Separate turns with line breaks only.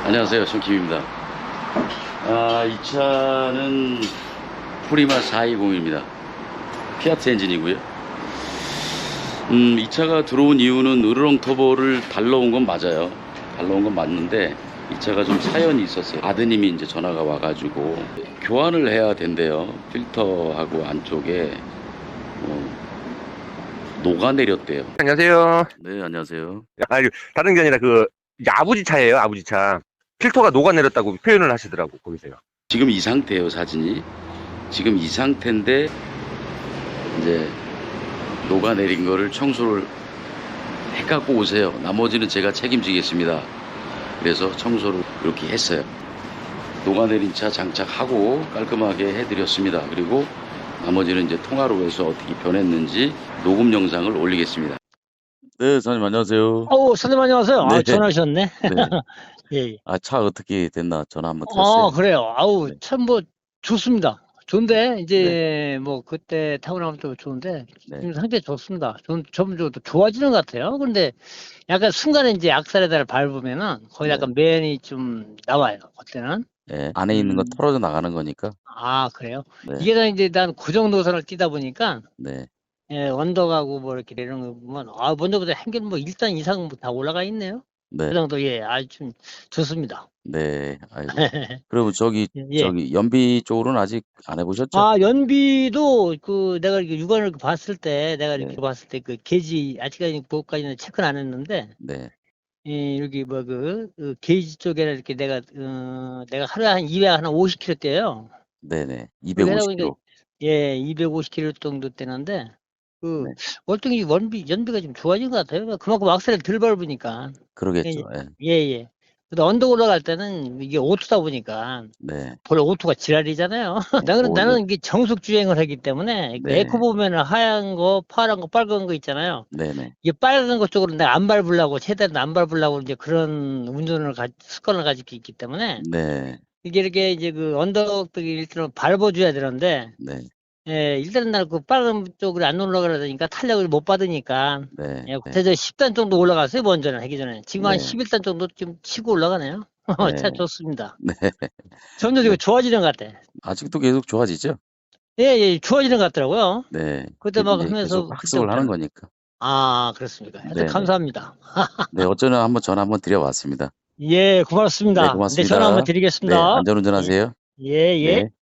안녕하세요, 손킴입니다. 이 차는 프리마 420입니다. 피아트 엔진이고요. 이 차가 들어온 이유는 으르렁 터보를 달러온 건 맞아요. 달러온 건 맞는데 이 차가 좀 사연이 있었어요. 아드님이 이제 전화가 와가지고 교환을 해야 된대요. 필터하고 안쪽에 녹아내렸대요.
안녕하세요.
네, 안녕하세요.
아니, 다른 게 아니라 이게 아버지 차예요, 아버지 차. 필터가 녹아내렸다고 표현을 하시더라고, 거기서요.
지금 이 상태예요, 사진이. 지금 이 상태인데 이제 녹아내린 거를 청소를 해 갖고 오세요. 나머지는 제가 책임지겠습니다. 그래서 청소를 이렇게 했어요. 녹아내린 차 장착하고 깔끔하게 해드렸습니다. 그리고 나머지는 이제 통화로 해서 어떻게 변했는지 녹음 영상을 올리겠습니다. 네, 선생님 안녕하세요.
선생님 안녕하세요.
네.
전화하셨네.
네.
예.
차 어떻게 됐나 전화 한번 드렸어요.
그래요.
네.
참 좋습니다. 좋은데 이제 뭐 그때 타고 나면 또 좋은데
네.
지금 상태 좋습니다. 점점 더 좋아지는 것 같아요. 근데 약간 순간에 이제 악셀에다를 밟으면은 거기 약간 맨이 좀 나와요. 그때는.
네. 안에 있는 거 털어져 나가는 거니까.
그래요.
네.
이게 다 이제 난 고정 노선을 뛰다 보니까
네.
언덕하고 뭐 이렇게 이런 거 보면 먼저보다 한결 뭐 1단 이상 다 올라가 있네요.
네.
그 정도 아주 좀 좋습니다.
네. 아이고. 그리고
예.
연비 쪽으로는 아직 안 해보셨죠?
연비도 내가 이렇게 육안을 봤을 때 이렇게
네.
봤을 때 게이지 아직까지 그것까지는 체크는 안 했는데
네.
여기 게이지 쪽에는 이렇게 내가 하루에 한 250km 떼요.
네네.
그러다 보니까
250km.
250km 정도 떼는데
네.
월등히 연비가 좀 좋아진 것 같아요. 그만큼 악셀을 덜 밟으니까.
그러겠죠. 예.
예. 근데 언덕 올라갈 때는 이게 오토다 보니까
네.
원래 오토가 지랄이잖아요. 나는 이게 정속 주행을 하기 때문에
네.
에코 보면은 하얀 거, 파란 거, 빨간 거 있잖아요.
네네.
이게 빨간 것 쪽으로 내가 안 밟으려고 최대한 안 밟으려고 이제 그런 습관을 가지고 있기 때문에
네.
이게 이렇게 이제 언덕들이 일단은 밟아줘야 되는데
네.
일단은 나는 그 빨간 쪽으로 안 올라가려니까 탄력을 못 받으니까
네.
그래서 10단 정도 올라갔어요. 먼저는 하기 전에. 지금 한
네.
11단 정도 좀 치고 올라가네요. 차
네.
좋습니다.
네.
점점
네.
좋아지는 것 같아.
아직도 계속 좋아지죠?
예, 좋아지는 것 같더라고요.
네.
그때 막
이제
하면서
계속 학습을 하는 거니까.
그렇습니까.
네.
하여튼 감사합니다.
네. 어쩌나 한번 전화 한번 드려봤습니다.
예,
네,
고맙습니다.
고맙습니다.
전화 한번
네.
드리겠습니다.
안전운전하세요.
예.
네.